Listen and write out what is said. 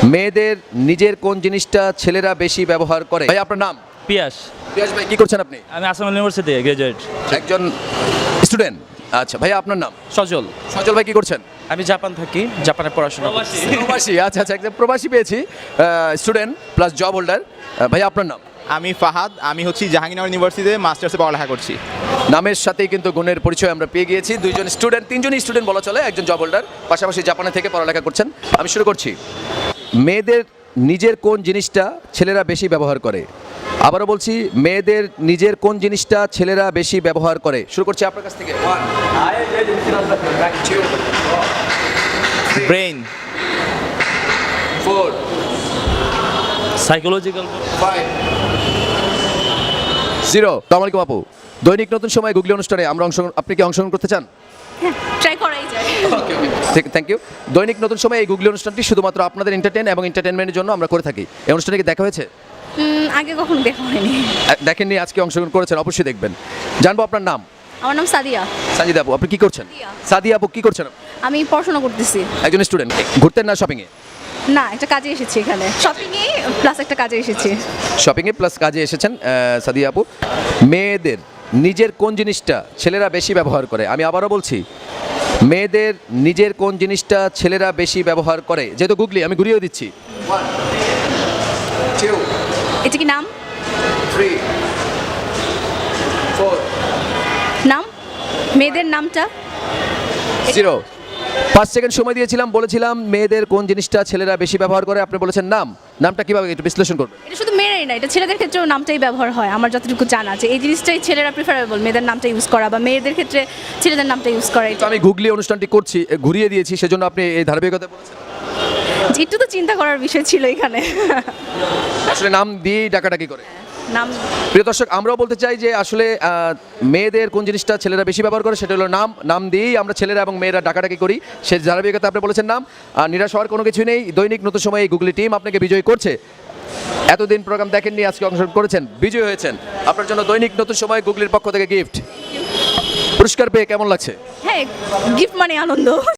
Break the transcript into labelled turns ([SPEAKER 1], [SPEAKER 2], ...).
[SPEAKER 1] মেয়েদের নিজের কোন জিনিসটা ছেলেরা বেশি ব্যবহার করে? ভাই আপনার নাম?
[SPEAKER 2] পিয়াস।
[SPEAKER 1] পিয়াস ভাই কি করছেন আপনি?
[SPEAKER 2] আমি আসাম ইউনিভার্সিটি গ্রাজুয়েট।
[SPEAKER 1] একজন স্টুডেন্ট। আচ্ছা ভাই আপনার নাম?
[SPEAKER 2] সজল।
[SPEAKER 1] সজল ভাই কি করছেন?
[SPEAKER 2] আমি জাপান থাকি, জাপানে পড়াশোনা করছি।
[SPEAKER 1] প্রবাসী। আচ্ছা আচ্ছা, একজন প্রবাসী পেয়েছি, স্টুডেন্ট প্লাস জব হোল্ডার। ভাই আপনার নাম?
[SPEAKER 3] আমি ফাহাদ, আমি হচ্ছি জাহাঙ্গীরনগর ইউনিভার্সিটিতে মাস্টার্সে পড়ালেখা করছি।
[SPEAKER 1] নামের সাথেই কিন্তু গুণের পরিচয় আমরা পেয়ে গিয়েছি। দুইজন স্টুডেন্ট, তিনজনই স্টুডেন্ট বলা চলে, একজন জব হোল্ডার, পাশাপাশি জাপানে থেকে পড়ালেখা করছেন। আমি শুরু করছি। মেয়েদের নিজের কোন জিনিসটা ছেলেরা বেশি ব্যবহার করে? আবারও বলছি, মেয়েদের নিজের কোন জিনিসটা ছেলেরা বেশি ব্যবহার করে? শুরু করছি আপনার কাছ থেকে।
[SPEAKER 3] ব্রেইন।
[SPEAKER 1] 4
[SPEAKER 2] সাইকোলজিক্যাল।
[SPEAKER 1] 5 0। আসসালামু আলাইকুম আপু। দৈনিক নতুন সময় গুগলি অনুষ্ঠানে আমরা আপনি কি অংশগ্রহণ করতে চান?
[SPEAKER 4] ট্রাই করাই যায়।
[SPEAKER 1] Thank you. দৈনিক নতুন সময় এই গুগলি অনুষ্ঠানটি শুধুমাত্র আপনাদের এন্টারটেনমেন্টের জন্য আমরা করে থাকি। এই অনুষ্ঠানে কি দেখা হয়েছে?
[SPEAKER 4] আগে কখনো দেখা হয়নি।
[SPEAKER 1] দেখেননি, আজকে অংশগ্রহণ করেছেন, অবশ্যই দেখবেন। জানবো আপনার নাম?
[SPEAKER 4] আমার নাম সাদিয়া।
[SPEAKER 1] সাজিদা আপু, আপনি কি করছেন?
[SPEAKER 4] সাদিয়া।
[SPEAKER 1] সাদিয়া আপু কি করছেন?
[SPEAKER 4] আমি পড়াশোনা করতেছি।
[SPEAKER 1] একজন স্টুডেন্ট। ঘুরতেন না শপিংয়ে?
[SPEAKER 4] না, একটা কাজে এসেছি এখানে। শপিংয়ে প্লাস একটা কাজে এসেছি।
[SPEAKER 1] শপিংয়ে প্লাস কাজে এসেছেন সাদিয়া আপু। মেয়েদের নিজের কোন জিনিসটা ছেলেরা বেশি ব্যবহার করে? আমি আবারও বলছি, মেয়েদের নিজের কোন জিনিসটা ছেলেরা বেশি ব্যবহার করে? যেহেতু গুগলি, আমি ঘুরিয়েও দিচ্ছি। 1 2
[SPEAKER 4] এটা কি নাম?
[SPEAKER 1] 3 4
[SPEAKER 4] নাম? মেয়েদের নামটা?
[SPEAKER 1] 0। 5 সেকেন্ড সময় দিয়েছিলাম, বলেছিলাম মেয়েদের কোন জিনিসটা ছেলেরা বেশি ব্যবহার করে, আপনি বলেছেন নাম। নামটা কিভাবে একটু বিশ্লেষণ করবেন?
[SPEAKER 4] এটা শুধু মেয়েরাই না, এটা ছেলেদের ক্ষেত্রেও নামটাই ব্যবহার হয়। আমার যতটুকু জানা যে এই জিনিসটাই ছেলেরা প্রিফারেবল, মেয়েদের নামটা ইউজ করা, বা মেয়েদের ক্ষেত্রে ছেলেদের নামটা ইউজ করা।
[SPEAKER 1] তো আমি গুগলি অনুষ্ঠানটি করছি, ঘুরিয়ে দিয়েছি, সেজন্য আপনি এই ধারাবাহিকতা বলেছেন।
[SPEAKER 4] একটু তো চিন্তা করার বিষয় ছিল এখানে।
[SPEAKER 1] আসলে নাম দিয়েই ডাকাডাকি করে।
[SPEAKER 4] নাম।
[SPEAKER 1] প্রিয় দর্শক, আমরাও বলতে চাই যে আসলে মেয়েদের কোন জিনিসটা ছেলেরা বেশি ব্যবহার করে, সেটা হলো নাম। নাম দিয়েই আমরা ছেলেরা এবং মেয়েরা ডাকাডাকি করি। সেই ধারাবাহিকতা আপনি বলেছেন নাম। নিরাশ হওয়ার কোনো কিছু নেই। দৈনিক নতুন সময় এই গুগলি টিম আপনাকে বিজয়ী করছে। এতদিন প্রোগ্রাম দেখেননি, আজকে অংশগ্রহণ করেছেন, বিজয়ী হয়েছেন। আপনার জন্য দৈনিক নতুন সময় গুগলির পক্ষ থেকে গিফট। পুরস্কার পেয়ে কেমন লাগছে?
[SPEAKER 4] হ্যাঁ, গিফট মানে আনন্দ।